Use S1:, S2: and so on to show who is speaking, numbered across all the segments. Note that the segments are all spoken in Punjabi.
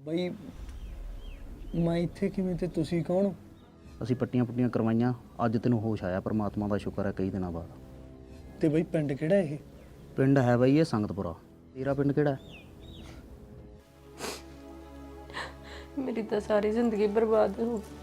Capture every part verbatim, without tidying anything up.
S1: ਬਈ ਮੈਂ ਇੱਥੇ ਕਿਵੇਂ ਤੇ ਤੁਸੀਂ ਕੌਣ ਹੋ?
S2: ਅਸੀਂ ਪੱਟੀਆਂ ਪੁੱਟੀਆਂ ਕਰਵਾਈਆਂ, ਅੱਜ ਤੈਨੂੰ ਹੋਸ਼ ਆਇਆ, ਪਰਮਾਤਮਾ ਦਾ ਸ਼ੁਕਰ ਹੈ ਕਈ ਦਿਨਾਂ ਬਾਅਦ।
S1: ਤੇ ਬਈ ਪਿੰਡ ਕਿਹੜਾ ਇਹ?
S2: ਪਿੰਡ ਹੈ ਬਾਈ ਇਹ ਸੰਗਤਪੁਰਾ। ਤੇਰਾ ਪਿੰਡ ਕਿਹੜਾ ਹੈ?
S3: ਮੇਰੀ ਤਾਂ ਸਾਰੀ ਜ਼ਿੰਦਗੀ ਬਰਬਾਦ ਹੋ ਗਈ।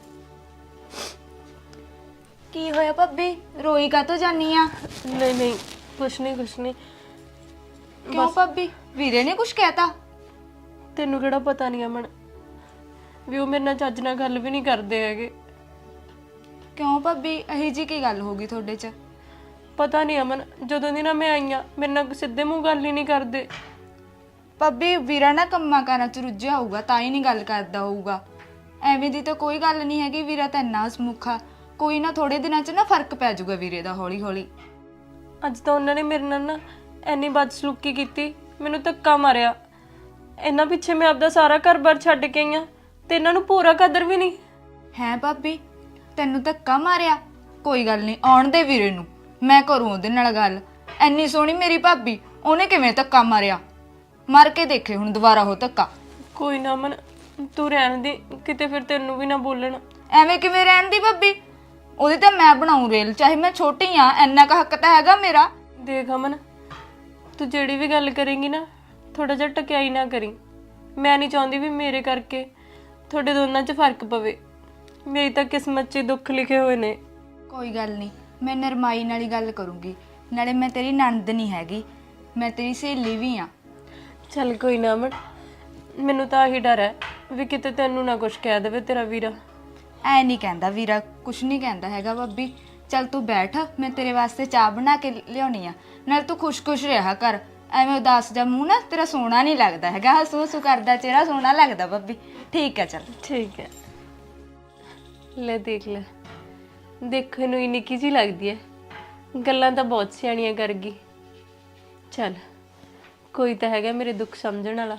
S4: ਕੀ ਹੋਇਆ ਭਾਬੀ, ਰੋਈ ਕਾਹਤੋਂ ਜਾਨੀ ਆ?
S3: ਨਹੀਂ ਨਹੀਂ ਕੁਛ ਨਹੀਂ ਕੁਛ ਨਹੀਂ।
S4: ਕਿਉਂ ਭਾਬੀ, ਵੀਰੇ ਨੇ ਕੁਝ ਕਹਿਤਾ?
S3: ਤੈਨੂੰ ਕਿਹੜਾ ਪਤਾ ਨਹੀਂ ਅਮਨ ਵੀ ਉਹ ਮੇਰੇ ਨਾਲ ਚੱਜ ਨਾਲ ਗੱਲ ਵੀ ਨਹੀਂ ਕਰਦੇ ਹੈਗੇ।
S4: ਕਿਉਂ ਭਾਬੀ, ਇਹੀ ਜੀ ਕੀ ਗੱਲ ਹੋ ਗਈ ਤੁਹਾਡੇ 'ਚ?
S3: ਪਤਾ ਨਹੀਂ ਅਮਨ, ਜਦੋਂ ਦੀ ਨਾ ਮੈਂ ਆਈ ਆ ਮੇਰੇ ਨਾਲ ਸਿੱਧੇ ਮੂੰਹ ਗੱਲ ਹੀ ਨਹੀਂ ਕਰਦੇ।
S4: ਭਾਬੀ ਵੀਰਾ ਨਾ ਕੰਮਾਂ ਕਾਰਾਂ 'ਚ ਰੁੱਝਿਆ ਹੋਊਗਾ, ਤਾਂ ਹੀ ਨਹੀਂ ਗੱਲ ਕਰਦਾ ਹੋਊਗਾ। ਐਵੇਂ ਦੀ ਤਾਂ ਕੋਈ ਗੱਲ ਨਹੀਂ ਹੈਗੀ, ਵੀਰਾ ਤਾਂ ਇੰਨਾ ਹਸਮੁਖਾ। ਕੋਈ ਨਾ ਥੋੜੇ ਦਿਨਾਂ 'ਚ ਨਾ ਫਰਕ ਪੈ ਜਾਊਗਾ ਵੀਰੇ ਦਾ, ਹੌਲੀ ਹੌਲੀ।
S3: ਅੱਜ ਤਾਂ ਉਹਨਾਂ ਨੇ ਮੇਰੇ ਨਾਲ ਨਾ ਇੰਨੀ ਬਦਸਲੂਕੀ ਕੀਤੀ, ਮੈਨੂੰ ਧੱਕਾ ਮਾਰਿਆ। ਇਹਨਾਂ ਪਿੱਛੇ ਮੈਂ ਆਪਦਾ ਸਾਰਾ ਘਰ-ਬਾਰ ਛੱਡ ਕੇ ਆਈ ਆ ਤੇ ਇਹਨਾਂ ਨੂੰ ਪੂਰਾ ਕਦਰ ਵੀ ਨਹੀਂ
S4: ਹੈ। ਭਾਬੀ ਤੈਨੂੰ ਧੱਕਾ ਮਾਰਿਆ? ਕੋਈ ਗੱਲ ਨਹੀਂ, ਆਉਣ ਦੇ ਵੀਰੇ ਨੂੰ, ਮੈਂ ਕਰੂੰ ਉਹਦੇ ਨਾਲ ਗੱਲ। ਐਨੀ ਸੋਹਣੀ ਮੇਰੀ ਭਾਬੀ, ਉਹਨੇ ਕਿਵੇਂ ਧੱਕਾ ਮਾਰਿਆ? ਮਾਰ ਕੇ ਦੇਖੇ ਹੁਣ ਦੁਬਾਰਾ ਹੋ ਧੱਕਾ।
S3: ਕੋਈ ਨਾ ਅਮਨ, ਤੂੰ ਰਹਿਣ ਦੇ, ਕਿਤੇ ਫਿਰ ਤੈਨੂੰ ਵੀ ਨਾ ਬੋਲਣ।
S4: ਐਵੇਂ ਕਿਵੇਂ ਰਹਿਣ ਦੀ ਭਾਬੀ? ਉਹਦੀ ਤਾਂ ਮੈਂ ਬਣਾਉਂ ਰੇਲ, ਚਾਹੇ ਮੈਂ ਛੋਟੀ ਆ, ਇੰਨਾ ਕੁ ਹੱਕ ਤਾਂ ਹੈਗਾ ਮੇਰਾ।
S3: ਦੇਖ ਅਮਨ, ਤੂੰ ਜਿਹੜੀ ਵੀ ਗੱਲ ਕਰੇਂਗੀ ਨਾ ਥੋੜਾ ਜਿਹਾ ਟਕਿਆਈ ਨਾ ਕਰੀ। ਮੈਂ ਨਹੀਂ ਚਾਹੁੰਦੀ ਵੀ ਮੇਰੇ ਕਰਕੇ ਤੁਹਾਡੇ ਦੋਨਾਂ 'ਚ ਫਰਕ ਪਵੇ। ਮੇਰੀ ਤਾਂ ਕਿਸਮਤ 'ਚ ਦੁੱਖ ਲਿਖੇ ਹੋਏ ਨੇ।
S4: ਕੋਈ ਗੱਲ ਨਹੀਂ, ਮੈਂ ਨਰਮਾਈ ਨਾਲ ਹੀ ਗੱਲ ਕਰੂੰਗੀ। ਨਾਲੇ ਮੈਂ ਤੇਰੀ ਨਣਦ ਨਹੀਂ ਹੈਗੀ, ਮੈਂ ਤੇਰੀ ਸਹੇਲੀ ਵੀ ਆ।
S3: ਚੱਲ ਕੋਈ ਨਾ ਅਮਨ, ਮੈਨੂੰ ਤਾਂ ਆਹੀ ਡਰ ਹੈ ਵੀ ਕਿਤੇ ਤੈਨੂੰ ਨਾ ਕੁਝ ਕਹਿ ਦੇਵੇ ਤੇਰਾ ਵੀਰਾ।
S4: ਐ ਨਹੀਂ ਕਹਿੰਦਾ ਵੀਰਾ, ਕੁਛ ਨਹੀਂ ਕਹਿੰਦਾ ਹੈਗਾ ਭਾਬੀ। ਚੱਲ ਤੂੰ ਬੈਠ, ਮੈਂ ਤੇਰੇ ਵਾਸਤੇ ਚਾਹ ਬਣਾ ਕੇ ਲਿਆਉਣੀ ਆ। ਨਾਲ ਤੂੰ ਖੁਸ਼-ਖੁਸ਼ ਰਿਹਾ ਕਰ, ਐਵੇਂ ਉਦਾਸ ਜਾ ਮੂੰਹ ਨਾ ਤੇਰਾ ਸੋਹਣਾ ਨਹੀਂ ਲੱਗਦਾ ਹੈਗਾ। ਹਸੂ ਹਸੂ ਕਰਦਾ ਚਿਹਰਾ ਸੋਹਣਾ ਲੱਗਦਾ ਭਾਬੀ। ਠੀਕ ਹੈ ਚੱਲ।
S3: ਠੀਕ ਹੈ। ਲੈ ਦੇਖ ਲੈ, ਦੇਖਣ ਨੂੰ ਹੀ ਨਿੱਕੀ ਜਿਹੀ ਲੱਗਦੀ ਹੈ, ਗੱਲਾਂ ਤਾਂ ਬਹੁਤ ਸਿਆਣੀਆਂ ਕਰ ਗਈ। ਚੱਲ ਕੋਈ ਤਾਂ ਹੈਗਾ ਮੇਰੇ ਦੁੱਖ ਸਮਝਣ ਵਾਲਾ।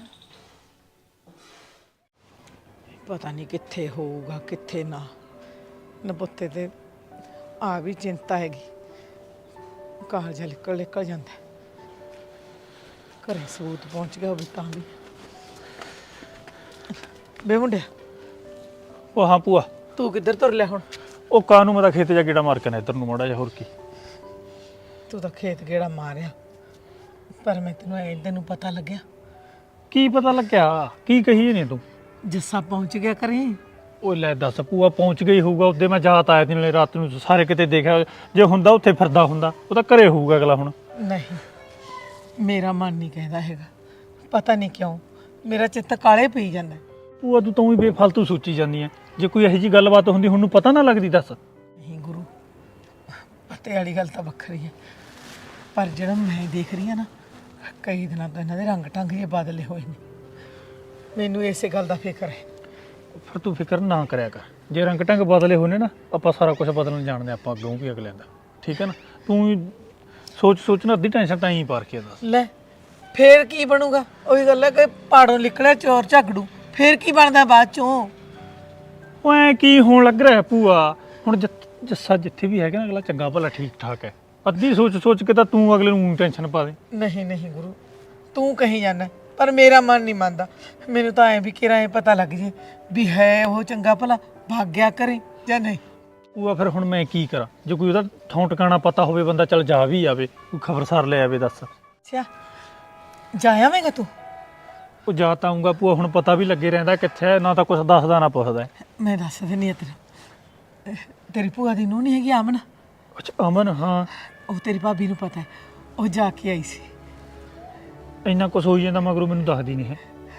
S5: ਪਤਾ ਨਹੀਂ ਕਿੱਥੇ ਹੋਊਗਾ ਕਿੱਥੇ ਨਾ। ਨਬੁੱਤੇ ਤੇ ਆ ਵੀ ਚਿੰਤਾ ਹੈਗੀ, ਕਾਲਜਾ ਨਿਕਲ ਨਿਕਲ ਜਾਂਦਾ। ਘਰੇ ਸਬੂਤ ਪਹੁੰਚ ਗਿਆ ਹੋਵੇ ਤਾਂ ਵੀ। ਬੇ ਮੁੰਡਿਆ,
S6: ਉਹ ਹਾਂ ਭੂਆ,
S5: ਤੂੰ ਕਿੱਧਰ ਤੁਰ ਲਿਆ ਹੁਣ?
S6: ਉਹ ਕਾਨੂੰ ਮੈਂ ਤਾਂ ਖੇਤ ਜਾ ਗੇੜਾ ਮਾਰ ਕੇ ਨਾ ਇੱਧਰ ਨੂੰ ਮੋੜਾ ਜਾ। ਹੋਰ ਕੀ,
S5: ਤੂੰ ਤਾਂ ਖੇਤ ਗੇੜਾ ਮਾਰਿਆ, ਪਰ ਮੈਂ ਤੈਨੂੰ ਐਂ ਤੈਨੂੰ ਪਤਾ ਲੱਗਿਆ?
S6: ਕੀ ਪਤਾ ਲੱਗਿਆ? ਕੀ ਕਹੀ ਨਹੀਂ ਤੂੰ?
S5: ਜੱਸਾ ਪਹੁੰਚ ਗਿਆ ਕਰੇ।
S6: ਉਹ ਲੈ ਦੱਸ ਭੂਆ, ਪਹੁੰਚ ਗਈ ਹੋਊਗਾ। ਉਹਦੇ ਮੈਂ ਜਾਤ ਆਇਆ ਸੀ ਨਾਲੇ ਰਾਤ ਨੂੰ, ਸਾਰੇ ਕਿਤੇ ਦੇਖਿਆ। ਜੇ ਹੁੰਦਾ ਉੱਥੇ ਫਿਰਦਾ ਹੁੰਦਾ, ਉਹ ਤਾਂ ਘਰੇ ਹੋਊਗਾ ਅਗਲਾ ਹੁਣ।
S5: ਨਹੀਂ, ਮੇਰਾ ਮਨ ਨਹੀਂ ਕਹਿੰਦਾ ਹੈਗਾ, ਪਤਾ ਨਹੀਂ ਕਿਉਂ ਮੇਰਾ ਚਿੱਤ ਕਾਲੇ ਪਈ ਜਾਂਦਾ।
S6: ਭੂਆ ਤੂੰ ਤਾਂ ਵੀ ਬੇਫਾਲਤੂ ਸੋਚੀ ਜਾਂਦੀ ਐ। ਜੇ ਕੋਈ ਇਹੋ ਜਿਹੀ ਗੱਲਬਾਤ ਹੁੰਦੀ ਹੁਣ ਨੂੰ ਪਤਾ ਨਾ ਲੱਗਦੀ? ਦੱਸ।
S5: ਨਹੀਂ ਗੁਰੂ, ਪਤੇ ਵਾਲੀ ਗੱਲ ਤਾਂ ਵੱਖਰੀ ਹੈ, ਪਰ ਜਿਹੜਾ ਮੈਂ ਦੇਖ ਰਹੀ ਹਾਂ ਨਾ, ਕਈ ਦਿਨਾਂ ਤੋਂ ਇਹਨਾਂ ਦੇ ਰੰਗ ਢੰਗ ਜੇ ਬਦਲੇ ਹੋਏ ਨੇ। ਮੈਨੂੰ ਇਸੇ ਗੱਲ ਦਾ ਫਿਕਰ ਹੈ।
S6: ਫਿਰ ਤੂੰ ਫਿਕਰ ਨਾ ਕਰਿਆ ਕਰ। ਜੇ ਰੰਗ ਢੰਗ ਬਦਲੇ ਹੋਣੇ ਨਾ, ਆਪਾਂ ਸਾਰਾ ਕੁਝ ਬਦਲਣ ਜਾਣਦੇ ਆਪਾਂ ਅੱਗੋਂ ਵੀ ਅਗਲਿਆਂ ਦਾ। ਠੀਕ ਹੈ ਨਾ? ਤੂੰ ਸੋਚ ਸੋਚ ਨਾ ਅੱਧੀ ਟੈਨਸ਼ਨ ਤਾਂ ਹੀ ਪਾਰ ਕੇ ਦੱਸ।
S5: ਲੈ ਫੇਰ ਕੀ ਬਣੂਗਾ? ਉਹੀ ਗੱਲ ਹੈ ਕਿ ਪਹਾੜੋਂ ਨਿਕਲਿਆ ਚੋਰ ਝਗੜੂ, ਫੇਰ ਕੀ ਬਣਦਾ ਬਾਅਦ ਚੋਂ?
S6: ਉਹ ਐ ਕੀ ਹੋਣ ਲੱਗ ਰਿਹਾ ਭੂਆ? ਹੁਣ ਜਿ- ਜੱਸਾ ਜਿੱਥੇ ਵੀ ਹੈਗਾ ਨਾ, ਅਗਲਾ ਚੰਗਾ ਭਲਾ ਠੀਕ ਠਾਕ ਹੈ। ਅੱਧੀ ਸੋਚ ਸੋਚ ਕੇ ਤਾਂ ਤੂੰ ਅਗਲੇ ਨੂੰ ਟੈਨਸ਼ਨ ਪਾ ਦੇ।
S5: ਨਹੀਂ ਨਹੀਂ ਗੁਰੂ, ਤੂੰ ਕਹੀਂ ਜਾਂਦਾ, ਪਰ ਮੇਰਾ ਮਨ ਨਹੀਂ ਮੰਨਦਾ। ਮੈਨੂੰ ਤਾਂ ਐਂ ਵੀ ਕਿਰਾ ਐਂ ਪਤਾ ਲੱਗ ਜੇ ਵੀ ਹੈ ਉਹ ਚੰਗਾ ਭਲਾ, ਭਾਗਿਆ ਕਰੇ ਜਾਂ ਨਹੀਂ।
S6: ਭੂਆ ਫਿਰ ਹੁਣ ਮੈਂ ਕੀ ਕਰਾਂ? ਜੇ ਕੋਈ ਉਹਦਾ ਥਾਂ ਟਿਕਾਣਾ ਪਤਾ ਹੋਵੇ ਬੰਦਾ, ਚੱਲ ਜਾ ਵੀ ਆਵੇ, ਕੋਈ ਖਬਰਸਾਰ ਲੈ ਆਵੇ। ਦੱਸ।
S5: ਅੱਛਾ, ਜਾ ਆਵੇਂਗਾ ਤੂੰ?
S6: ਉਹ ਜਾ ਤਾਂ ਆਊਂਗਾ ਭੂਆ, ਹੁਣ ਪਤਾ ਵੀ ਲੱਗੇ ਰਹਿੰਦਾ ਕਿੱਥੇ ਹੈ, ਨਾ ਤਾਂ ਕੁਛ ਦੱਸਦਾ ਨਾ ਪੁੱਛਦਾ।
S5: ਮੈਂ ਦੱਸ ਦਿੰਦੀ ਆ ਤੇਰਾ, ਤੇਰੀ ਭੂਆ ਦੀ ਨੂੰਹ ਨਹੀਂ ਹੈਗੀ ਅਮਨ?
S6: ਅੱਛਾ ਅਮਨ, ਹਾਂ।
S5: ਉਹ ਤੇਰੀ ਭਾਬੀ ਨੂੰ ਪਤਾ ਹੈ, ਉਹ ਜਾ ਕੇ ਆਈ ਸੀ।
S6: ਇੰਨਾ ਕੁਛ ਹੋਈ ਜਾਂਦਾ ਮਗਰੋਂ ਮੈਨੂੰ ਦੱਸਦੀ ਨਹੀਂ ਹੈ।